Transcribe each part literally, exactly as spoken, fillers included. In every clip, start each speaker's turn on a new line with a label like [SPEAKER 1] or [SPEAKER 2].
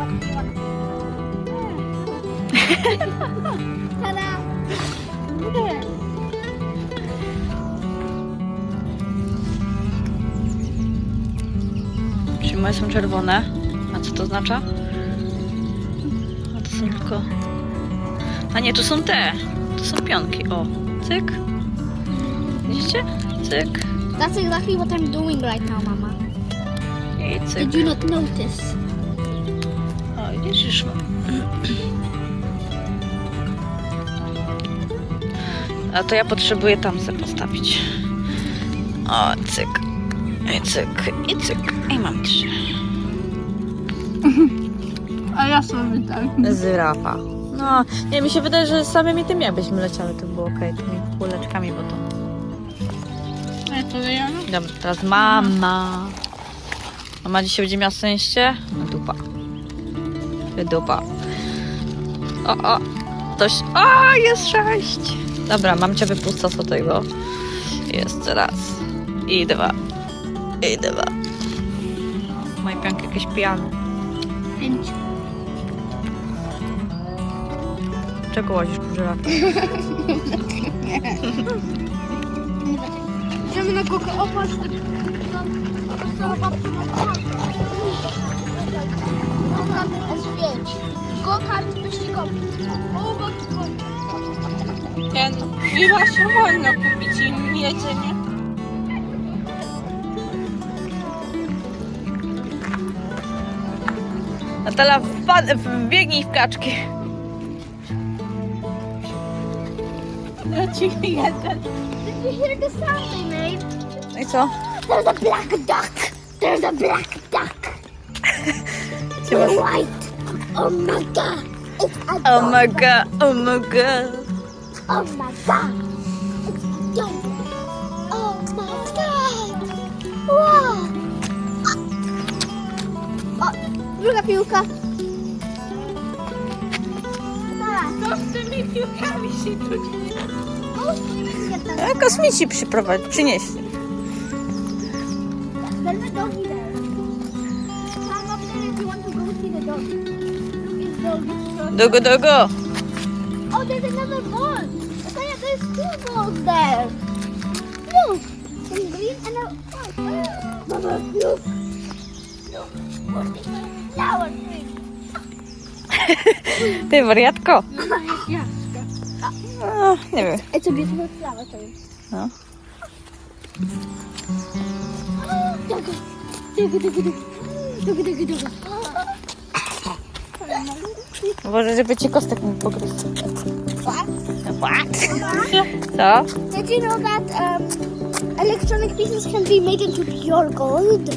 [SPEAKER 1] Tada! Nie.
[SPEAKER 2] Czyli moje są czerwone. A co to oznacza? A to są tylko... A nie, to są te. To są pionki. O, cyk. Widzicie? Cyk.
[SPEAKER 1] That's exactly what I'm doing right now, Mama.
[SPEAKER 2] I cyk.
[SPEAKER 1] Did you not notice?
[SPEAKER 2] O, widzisz? A to ja potrzebuję tam sobie postawić. O, cyk. I cyk. I cyk. I mam trzy.
[SPEAKER 3] A ja sobie tak.
[SPEAKER 2] Zyrafa. No, nie, mi się wydaje, że samymi tymi jakbyśmy leciały, to było okej, tymi kuleczkami, bo to...
[SPEAKER 3] A to ja?
[SPEAKER 2] Dobra, teraz mama. Mama dzisiaj będzie miała szczęście? No dupa. Dupa. O, o. Ktoś... O, jest sześć. Dobra, mamcia wypuszcza z tego. Jeszcze raz. I dwa. I dwa. Moje pianki jakieś pijane.
[SPEAKER 1] Pięć.
[SPEAKER 2] Czego łazisz po żyrafie?
[SPEAKER 3] Idziemy na kogo opaść.
[SPEAKER 1] Go-kart wyścigowy. O, go-kart.
[SPEAKER 3] Ten piwa się wolno kupić im jedzenie.
[SPEAKER 2] Natala, wpad- wbiegnij w kaczki.
[SPEAKER 3] Leci jeden.
[SPEAKER 1] Did you hear the sound they made?
[SPEAKER 2] No i co?
[SPEAKER 1] There's a black duck. There's a black duck.
[SPEAKER 2] Gdzie masz?
[SPEAKER 1] White. Oh my god. It's a
[SPEAKER 2] Oh
[SPEAKER 1] dog.
[SPEAKER 2] my god, oh my god.
[SPEAKER 1] Oh my god. It's dog. Oh my god. Wow. O, druga piłka.
[SPEAKER 3] Co z tymi piłkami się tu dzieje?
[SPEAKER 2] A kosmici przyprowadź, przynieśli.
[SPEAKER 1] There's a doggy there. Climb up there if you want to go see the dog. Look, it's doggy.
[SPEAKER 2] Dogo, dogo.
[SPEAKER 1] Oh, there's another ball. Saya, there's two balls there. Look, some green and a white. Mama, look. Look, what's this flower tree?
[SPEAKER 2] Ty, wariatko.
[SPEAKER 3] Ja.
[SPEAKER 2] No, nie wiem.
[SPEAKER 1] It's a beautiful flower tree.
[SPEAKER 2] No.
[SPEAKER 1] Dogo, dogo, dogo, dogo, dogo, dogo, dogo.
[SPEAKER 2] Uważaj, żeby ci kostek nie pogryzł.
[SPEAKER 1] What?
[SPEAKER 2] What? Co?
[SPEAKER 1] Did you know that um, electronic pieces can be made into pure gold?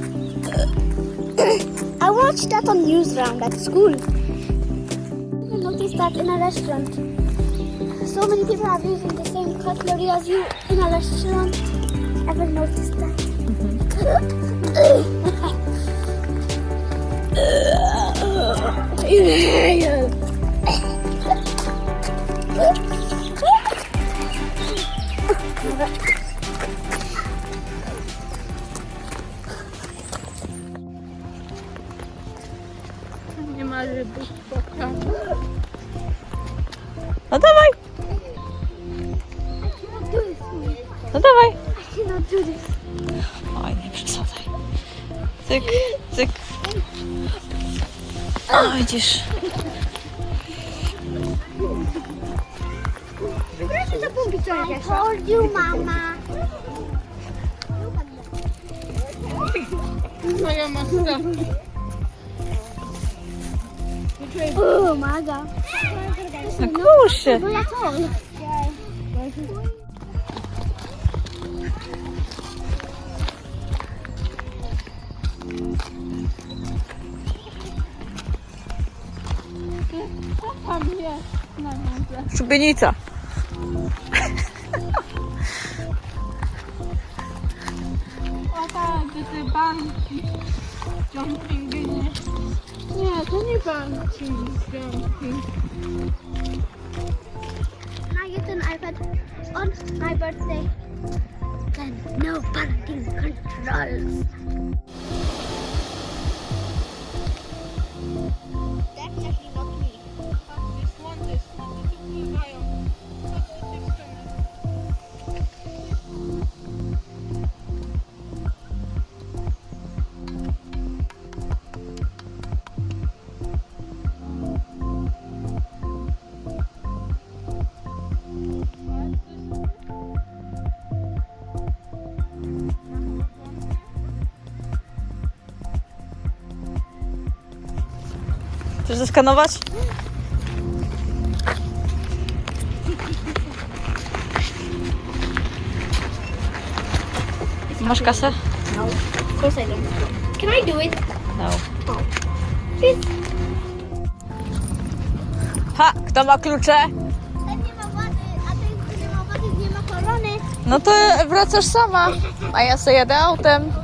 [SPEAKER 1] I watched that on Newsround at school. I noticed that in a restaurant. So many people are using the same cutlery as you in a restaurant. Ever noticed that?
[SPEAKER 3] Nie ma rybów spotkania.
[SPEAKER 2] No dawaj, no dawaj.
[SPEAKER 1] I cannot do this.
[SPEAKER 2] Oj, nie przesadzaj. Cyk, cyk. O, widzisz.
[SPEAKER 1] I told you, Mama.
[SPEAKER 3] Moja matka.
[SPEAKER 1] Oh my god.
[SPEAKER 2] No kurczę.
[SPEAKER 1] No jak on?
[SPEAKER 3] Co tam jest na górze?
[SPEAKER 2] Szubienica.
[SPEAKER 3] O tak, gdzie te banki. Jumping, nie. Nie, to nie banki. Jumping.
[SPEAKER 1] Can I get an iPad on my birthday? Then no parenting controls.
[SPEAKER 3] nie mają. Co to dziewczyny?
[SPEAKER 2] Chcesz zeskanować? Masz kasę?
[SPEAKER 1] No, of course I don't. Can I do it?
[SPEAKER 2] No.
[SPEAKER 1] Oh. Please.
[SPEAKER 2] Ha! Kto ma klucze?
[SPEAKER 1] Ten nie ma wody, a ten, który nie ma wody, nie ma korony.
[SPEAKER 2] No to wracasz sama, a ja sobie jadę autem.